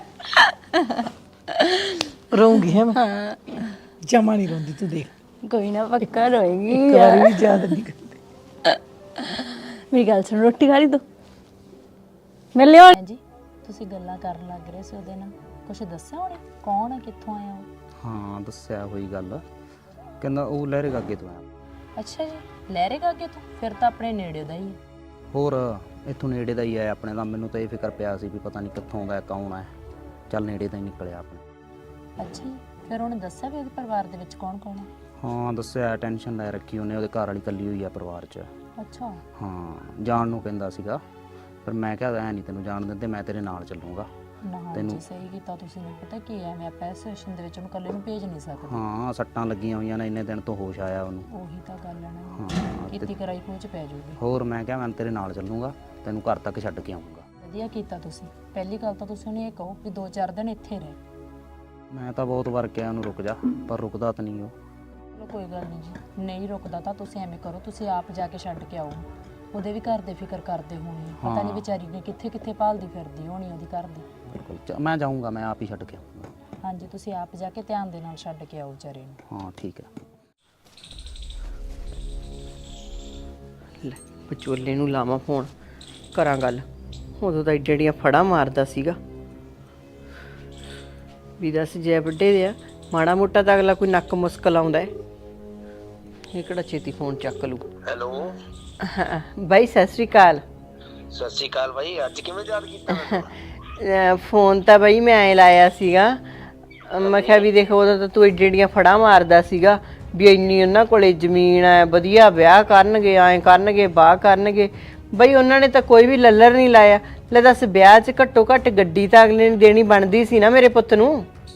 S5: ਰੋਉਂਗੀ ਹੈ ਮੈਂ ਜਮਾ ਨਹੀਂ ਰੋਂਦੀ ਤੂੰ ਦੇਖ।
S11: ਕੋਈ ਨਾ ਪੱਕਾ ਰੋਏਂਗੀ।
S5: ਇੱਕ ਵਾਰ ਵੀ ਯਾਦ ਨਹੀਂ ਕਰਦੀ।
S11: ਮੇਰੀ ਗੱਲ ਸੁਣ, ਰੋਟੀ ਖਾ ਲਈ ਤੂੰ? ਮੈਂ ਲਿਆ ਜੀ। ਤੁਸੀਂ ਗੱਲਾਂ ਕਰਨ ਲੱਗ ਰਹੇ ਸੀ ਉਹਦੇ ਨਾਲ, ਕੁਝ ਦੱਸਿਆ ਉਹਨੇ? ਕੌਣ ਹੈ, ਕਿੱਥੋਂ ਆਇਆ ਉਹ?
S2: ਹਾਂ ਦੱਸਿਆ ਹੋਈ ਗੱਲ, ਕਹਿੰਦਾ ਉਹ ਲਹਿਰੇ ਗਾਗੇ ਤੋਂ ਆਇਆ।
S7: ਅੱਛਾ ਜੀ, ਲਹਿਰੇ ਗਾਗੇ ਤੋਂ? ਫਿਰ ਤਾਂ ਆਪਣੇ ਨੇੜੇ ਦਾ ਹੀ ਹੈ।
S2: ਹੋਰ ਇੱਥੋਂ ਨੇੜੇ ਦਾ ਹੀ ਆਇਆ ਆਪਣੇ ਦਾ। ਮੈਨੂੰ ਤਾਂ ਇਹ ਫਿਕਰ ਪਿਆ ਸੀ ਵੀ ਪਤਾ ਨਹੀਂ ਕਿੱਥੋਂ ਆਉਂਦਾ ਕੌਣ ਹੈ। ਚੱਲ ਨੇੜੇ ਦਾ ਹੀ ਨਿਕਲਿਆ ਆਪਣੇ।
S7: ਅੱਛਾ ਜੀ, ਫਿਰ ਉਹਨੇ ਦੱਸਿਆ ਵੀ ਉਹਦੇ ਪਰਿਵਾਰ ਦੇ ਵਿੱਚ ਕੌਣ ਕੌਣ ਹੈ?
S2: ਹਾਂ ਦੱਸਿਆ, ਟੈਨਸ਼ਨ ਲੈ ਰੱਖੀ ਉਹਨੇ, ਉਹਦੇ ਘਰ ਵਾਲੀ ਇਕੱਲੀ ਹੋਈ ਆ ਪਰਿਵਾਰ 'ਚ।
S7: ਅੱਛਾ।
S2: ਹਾਂ ਜਾਣ ਨੂੰ ਕਹਿੰਦਾ ਸੀਗਾ, ਪਰ ਮੈਂ ਕਿਹਾ ਐ ਨਹੀਂ ਤੈਨੂੰ ਜਾਣ ਦਿੰਦੇ, ਮੈਂ ਤੇਰੇ ਨਾਲ ਚੱਲੂੰਗਾ।
S7: ਨਾ ਜੀ ਸਹੀ ਕੀਤਾ ਤੁਸੀਂ ਨੇ। ਪਤਾ ਕੀ ਹੈ, ਮੈਂ ਆਪਾਂ ਇਸ ਸਿਚੁਏਸ਼ਨ ਦੇ ਵਿੱਚ ਉਹਨੂੰ ਇਕੱਲੇ ਨੂੰ ਭੇਜ ਨਹੀਂ ਸਕਦੀ।
S2: ਹਾਂ ਸੱਟਾਂ ਲੱਗੀਆਂ ਹੋਈਆਂ ਨੇ, ਇੰਨੇ ਦਿਨ ਤੋਂ ਹੋਸ਼ ਆਇਆ ਉਹਨੂੰ।
S7: ਉਹੀ ਤਾਂ ਗੱਲ ਹੈ ਨਾ,
S2: ਹਾਂ
S7: ਕੀਤੀ ਕਰਾਈ ਖੋਚ ਪੈ ਜਾਊਗੀ।
S2: ਹੋਰ ਮੈਂ ਕਿਹਾ ਮੈਂ ਤੇਰੇ ਨਾਲ ਚੱਲੂੰਗਾ, ਤੈਨੂੰ ਘਰ ਤੱਕ ਛੱਡ ਕੇ ਆਉਂਗਾ।
S7: ਵਧੀਆ ਕੀਤਾ ਤੁਸੀਂ। ਪਹਿਲੀ ਗੱਲ ਤਾਂ ਤੁਸੀਂ ਉਹਨੂੰ ਇਹ ਕਹੋ ਵੀ ਦੋ ਚਾਰ ਦਿਨ ਇੱਥੇ ਰਹਿ।
S2: ਮੈਂ ਤਾਂ ਬਹੁਤ ਵਾਰ ਕਿਹਾ ਉਹਨੂੰ ਰੁਕ ਜਾ, ਪਰ ਰੁਕਦਾ ਤਾਂ ਨਹੀਂ ਉਹ।
S7: ਚਲੋ ਕੋਈ ਗੱਲ ਨਹੀਂ ਜੀ, ਨਹੀਂ ਰੁਕਦਾ ਤਾਂ ਤੁਸੀਂ ਐਵੇਂ ਕਰੋ, ਤੁਸੀਂ ਆਪ ਜਾ ਕੇ ਛੱਡ ਕੇ ਆਓ। ਉਹਦੇ ਵੀ ਘਰ ਦੇ ਫਿਕਰ ਕਰਦੇ ਹੋਣੇ, ਪਤਾ ਨਹੀਂ ਵਿਚਾਰੀ ਨੇ ਕਿੱਥੇ ਕਿੱਥੇ ਭਾਲਦੀ ਫਿਰਦੀ ਹੋਣੀ ਉਹਦੀ ਘਰ ਦੀ।
S2: ਬਿਲਕੁਲ ਮੈਂ ਜਾਊਂਗਾ, ਮੈਂ ਆਪ ਹੀ ਛੱਡ ਕੇ ਆਊਂਗਾ।
S7: ਹਾਂਜੀ ਤੁਸੀਂ ਆਪ ਜਾ ਕੇ ਧਿਆਨ ਦੇ ਨਾਲ ਛੱਡ ਕੇ ਆਓ ਵਿਚਾਰੇ ਨੂੰ।
S2: ਹਾਂ ਠੀਕ ਹੈ।
S10: ਲੈ ਵਿਚੋਲੇ ਨੂੰ ਲਾਵਾਂ ਫੋਨ, ਕਰਾਂ ਗੱਲ। ਉਦੋਂ ਤਾਂ ਏਡੀਆਂ ਫੜਾ ਮਾਰਦਾ ਸੀਗਾ ਵੀ ਦੱਸ ਜੇ ਵੱਡੇ ਦੇ ਆ ਮਾੜਾ ਮੋਟਾ ਤਾਂ ਅਗਲਾ ਕੋਈ ਨੱਕ ਮੁਸਕਲ ਆਉਂਦਾ ਹੈ। ਇਹ ਕਿਹੜਾ ਛੇਤੀ ਫੋਨ ਚੱਕ ਲੂ।
S12: ਹੈਲੋ
S10: ਬਾਈ ਸਤਿ ਸ੍ਰੀ ਅਕਾਲ।
S12: ਸਤਿ ਸ਼੍ਰੀ ਅਕਾਲ ਬਾਈ, ਅੱਜ ਕਿਵੇਂ ਯਾਦ ਕੀਤਾ ਮੈਨੂੰ?
S10: ਅਹ ਫੋਨ ਤਾਂ ਬਈ ਮੈਂ ਐ ਲਾਇਆ ਸੀਗਾ, ਮੈਂ ਕਿਹਾ ਵੀ ਦੇਖੋ ਉਦੋਂ ਤਾਂ ਤੂੰ ਏਡੀਆਂ ਫੜਾ ਮਾਰਦਾ ਸੀਗਾ ਵੀ ਇੰਨੀ ਉਹਨਾਂ ਕੋਲੇ ਜ਼ਮੀਨ ਹੈ, ਵਧੀਆ ਵਿਆਹ ਕਰਨਗੇ, ਐਂ ਕਰਨਗੇ, ਬਾਹ ਕਰਨਗੇ। ਬਈ ਉਹਨਾਂ ਨੇ ਤਾਂ ਕੋਈ ਵੀ ਲੱਲਰ ਨਹੀਂ ਲਾਇਆ। ਲੈ ਦੱਸ, ਵਿਆਹ 'ਚ ਘੱਟੋ ਘੱਟ ਗੱਡੀ ਤਾਂ ਅਗਲੇ ਨੇ ਦੇਣੀ ਬਣਦੀ ਸੀ ਨਾ ਮੇਰੇ ਪੁੱਤ ਨੂੰ।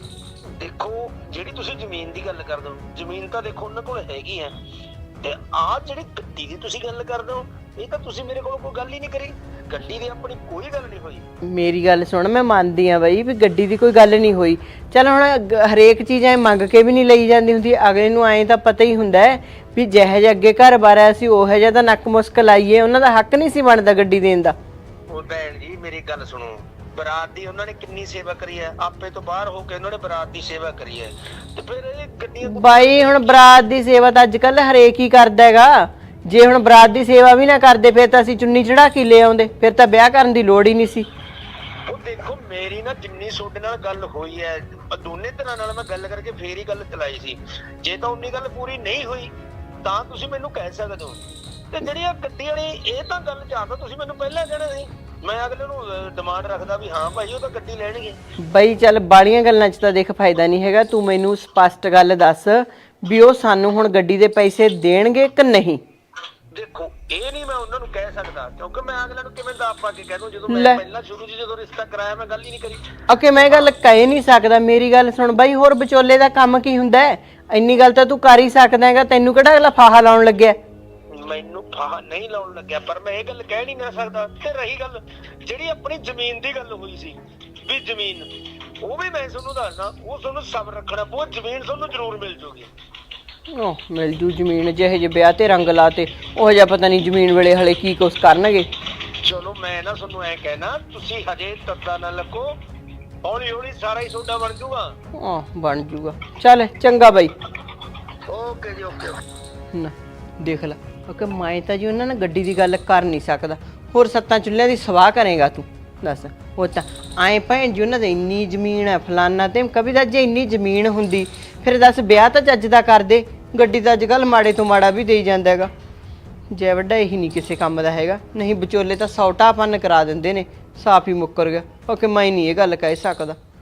S12: ਦੇਖੋ ਜਿਹੜੀ ਤੁਸੀਂ ਜ਼ਮੀਨ ਦੀ ਗੱਲ ਕਰਦੇ ਹੋ, ਜ਼ਮੀਨ ਤਾਂ ਦੇਖੋ ਉਹਨਾਂ ਕੋਲ ਹੈਗੀ ਹੈ, ਤੇ ਆਹ ਜਿਹੜੀ ਗੱਡੀ ਦੀ ਤੁਸੀਂ ਗੱਲ ਕਰਦੇ ਹੋ, ਇਹ ਤਾਂ ਤੁਸੀਂ ਮੇਰੇ ਕੋਲ ਕੋਈ ਗੱਲ ਹੀ ਨਹੀਂ ਕਰੀ। ਗੱਡੀ ਦੀ ਆਪਣੀ ਕੋਈ ਗੱਲ ਨਹੀਂ ਹੋਈ। ਮੇਰੀ
S10: ਗੱਲ ਸੁਣ, ਮੈਂ ਮੰਨਦੀ ਆ ਬਈ ਵੀ ਗੱਡੀ ਦੀ ਕੋਈ ਗੱਲ ਨਹੀਂ ਹੋਈ। ਚੱਲ ਹੁਣ ਹਰੇਕ ਚੀਜ਼ ਐ ਮੰਗ ਕੇ ਵੀ ਨਹੀਂ ਲਈ ਜਾਂਦੀ ਹੁੰਦੀ। ਅਗਲੇ ਨੂੰ ਐਂ ਤਾਂ ਪਤਾ ਹੀ ਹੁੰਦਾ ਹੈ ਵੀ ਜਿਹੇ ਜਿਹੇ ਅੱਗੇ ਘਰ ਬਾਰ ਆਇਆ ਸੀ ਉਹੋ ਜਿਹਾ ਤਾਂ ਨੱਕ ਮੁਸਕਲ ਆਈਏ। ਉਹਨਾਂ ਦਾ ਹੱਕ ਨਹੀਂ ਸੀ ਬਣਦਾ ਗੱਡੀ ਦੇਣ ਦਾ।
S12: ਉਹ ਭੈਣ ਜੀ ਮੇਰੀ ਗੱਲ ਸੁਣੋ, ਬਰਾਤ ਦੀ ਉਹਨਾਂ ਨੇ ਕਿੰਨੀ ਸੇਵਾ ਕਰੀ ਹੈ, ਆਪੇ ਤੋਂ ਬਾਹਰ ਹੋ ਕੇ ਉਹਨਾਂ ਨੇ ਬਰਾਤ ਦੀ ਸੇਵਾ ਕਰੀ ਹੈ, ਤੇ ਫਿਰ ਇਹ ਗੱਡੀਆਂ
S10: ਬਾਈ ਹੁਣ ਬਰਾਤ ਦੀ ਸੇਵਾ ਤਾਂ ਅੱਜ ਕੱਲ ਹਰੇਕ ਹੀ ਕਰਦਾ ਹੈਗਾ। ਜੇ ਹੁਣ ਬਰਾਤ ਦੀ ਸੇਵਾ ਵੀ ਨਾ ਕਰਦੇ ਫਿਰ ਤਾਂ ਅਸੀਂ ਚੁੰਨੀ ਚੜਾ ਕੇ ਲੈ ਆਉਂਦੇ, ਫਿਰ ਤਾਂ ਵਿਆਹ ਕਰਨ ਦੀ ਲੋੜ ਹੀ ਨਹੀਂ ਸੀ।
S12: ਉਹ ਦੇਖੋ ਮੇਰੀ ਨਾ ਜਿੰਨੀ ਤੁਹਾਡੇ ਨਾਲ ਗੱਲ ਹੋਈ ਹੈ, ਦੋਨੇ ਤਰ੍ਹਾਂ ਨਾਲ ਮੈਂ ਗੱਲ ਕਰਕੇ ਫੇਰ ਹੀ ਗੱਲ ਚਲਾਈ ਸੀ। ਜੇ ਤਾਂ ਉਨੀ ਗੱਲ ਪੂਰੀ ਨਹੀਂ ਹੋਈ ਤਾਂ ਤੁਸੀਂ ਮੈਨੂੰ ਕਹਿ ਸਕਦੇ ਹੋ, ਤੇ ਜਿਹੜੀ ਆ ਗੱਡੀ ਵਾਲੀ ਇਹ ਤਾਂ ਗੱਲ ਚਾਹਤਾ ਤੁਸੀਂ ਮੈਨੂੰ ਪਹਿਲਾਂ ਕਹਿਣਾ ਸੀ। ਮੈਂ ਅਗਲੇ ਨੂੰ ਡਿਮਾਂਡ ਰੱਖਦਾ ਵੀ ਹਾਂ ਭਾਈ ਉਹ ਤਾਂ ਗੱਡੀ ਲੈਣਗੇ।
S10: ਬਈ ਚੱਲ ਬਾਲੀਆਂ ਗੱਲਾਂ 'ਚ ਤਾਂ ਦੇਖ ਫਾਇਦਾ ਨਹੀਂ ਹੈਗਾ। ਤੂੰ ਮੈਨੂੰ ਸਪਸ਼ਟ ਗੱਲ ਦੱਸ ਵੀ ਉਹ ਸਾਨੂੰ ਹੁਣ ਗੱਡੀ ਦੇ ਪੈਸੇ ਦੇਣਗੇ ਕਿ ਨਹੀਂ।
S12: ਦੇਖੋ ਇਹ ਨਹੀਂ ਮੈਂ ਉਹਨਾਂ ਨੂੰ ਕਹਿ ਸਕਦਾ, ਕਿਉਂਕਿ ਮੈਂ ਅਗਲੇ ਨੂੰ ਕਿਵੇਂ ਦਾਅ ਪਾ ਕੇ ਕਹਿ ਦੂੰ ਜਦੋਂ ਮੈਂ ਪਹਿਲਾਂ ਸ਼ੁਰੂ 'ਚ ਜਦੋਂ ਰਿਸ਼ਤਾ ਕਰਾਇਆ ਮੈਂ ਗੱਲ ਹੀ ਨਹੀਂ ਕਰੀ।
S10: ਓਕੇ ਮੈਂ ਗੱਲ ਕਹਿ ਨਹੀਂ ਸਕਦਾ। ਮੇਰੀ ਗੱਲ ਸੁਣ ਬਾਈ, ਹੋਰ ਵਿਚੋਲੇ ਦਾ ਕੰਮ ਕੀ ਹੁੰਦਾ ਹੈ? ਇੰਨੀ ਗੱਲ ਤਾਂ ਤੂੰ ਕਰ ਹੀ ਸਕਦਾ ਹੈਗਾ। ਤੈਨੂੰ ਕਿਹੜਾ ਅਗਲਾ ਫਾਹਾ ਲਾਉਣ ਲੱਗਿਆ?
S12: ਮੈਨੂੰ ਫਾਹਾ ਨਹੀਂ ਲਾਉਣ ਲੱਗਿਆ, ਪਰ ਮੈਂ ਇਹ ਗੱਲ ਕਹਿ ਨਹੀਂ ਨਾ ਸਕਦਾ। ਤੇ ਰਹੀ ਗੱਲ ਜਿਹੜੀ ਆਪਣੀ ਜ਼ਮੀਨ ਦੀ ਗੱਲ ਹੋਈ ਸੀ ਵੀ ਜ਼ਮੀਨ, ਉਹ ਵੀ ਮੈਂ ਤੁਹਾਨੂੰ ਦੱਸਦਾ, ਉਹ ਤੁਹਾਨੂੰ ਸਬਰ ਰੱਖਣਾ ਪਊ। ਜ਼ਮੀਨ ਤੁਹਾਨੂੰ ਜ਼ਰੂਰ ਮਿਲ ਜੂਗੀ।
S10: ਉਹ ਮਿਲ ਜੂ ਜ਼ਮੀਨ। ਜਿਹੇ ਜਿਹੇ ਵਿਆਹ ਤੇ ਰੰਗ ਲਾਤੇ ਉਹ ਜਿਹਾ ਪਤਾ ਨਹੀਂ ਜ਼ਮੀਨ ਵੇਲੇ ਹਲੇ ਕੀ ਕੁਛ ਕਰਨਗੇ।
S12: ਚਲੋ ਮੈਂ ਨਾ ਤੁਹਾਨੂੰ ਐ ਕਹਿਣਾ, ਤੁਸੀਂ ਹਜੇ ਤੱਤਾ ਨਾ ਲੱਗੋ, ਹੌਲੀ ਹੌਲੀ ਸਾਰਾ ਹੀ ਤੁਹਾਡਾ ਬਣ ਜੂਗਾ।
S10: ਹਾਂ ਬਣ ਜੂਗਾ। ਚੱਲ ਚੰਗਾ ਬਾਈ।
S12: ਓਕੇ ਜੀ ਓਕੇ।
S10: ਨਾ ਦੇਖ ਲੈ, ਕਿਉਂਕਿ ਮੈਂ ਤਾਂ ਜੀ ਉਹਨਾਂ ਨਾਲ ਗੱਡੀ ਦੀ ਗੱਲ ਕਰ ਨਹੀਂ ਸਕਦਾ। ਹੋਰ ਸੱਤਾਂ ਚੁੱਲ੍ਹਿਆਂ ਦੀ ਸਵਾਹ ਕਰੇਗਾ ਤੂੰ ਦੱਸ। ਉਹ ਤਾਂ ਐਂ ਭੈਣ ਜੀ ਉਹਨਾਂ ਦੀ ਇੰਨੀ ਜ਼ਮੀਨ ਹੈ ਫਲਾਨਾ ਤੇ ਕभी ਤਾਂ ਜੇ ਇੰਨੀ ਜ਼ਮੀਨ ਹੁੰਦੀ ਫਿਰ ਦੱਸ ਵਿਆਹ ਤਾਂ ਚੱਜ ਦਾ ਕਰਦੇ। ਗੱਡੀ ਤਾਂ ਅੱਜ ਕੱਲ੍ਹ ਮਾੜੇ ਤੋਂ ਮਾੜਾ ਵੀ ਦੇਈ ਜਾਂਦਾ ਹੈਗਾ। ਜੈ ਵੱਡਾ ਇਹੀ ਨਹੀਂ ਕਿਸੇ ਕੰਮ ਦਾ ਹੈਗਾ। ਨਹੀਂ ਵਿਚੋਲੇ ਤਾਂ ਸੌ ਢਾਪਨ ਕਰਾ ਦਿੰਦੇ ਨੇ। ਸਾਫ ਹੀ ਮੁੱਕਰ ਗਿਆ। ਓਕੇ ਮੈਂ ਨਹੀਂ ਇਹ ਗੱਲ ਕਹਿ ਸਕਦਾ।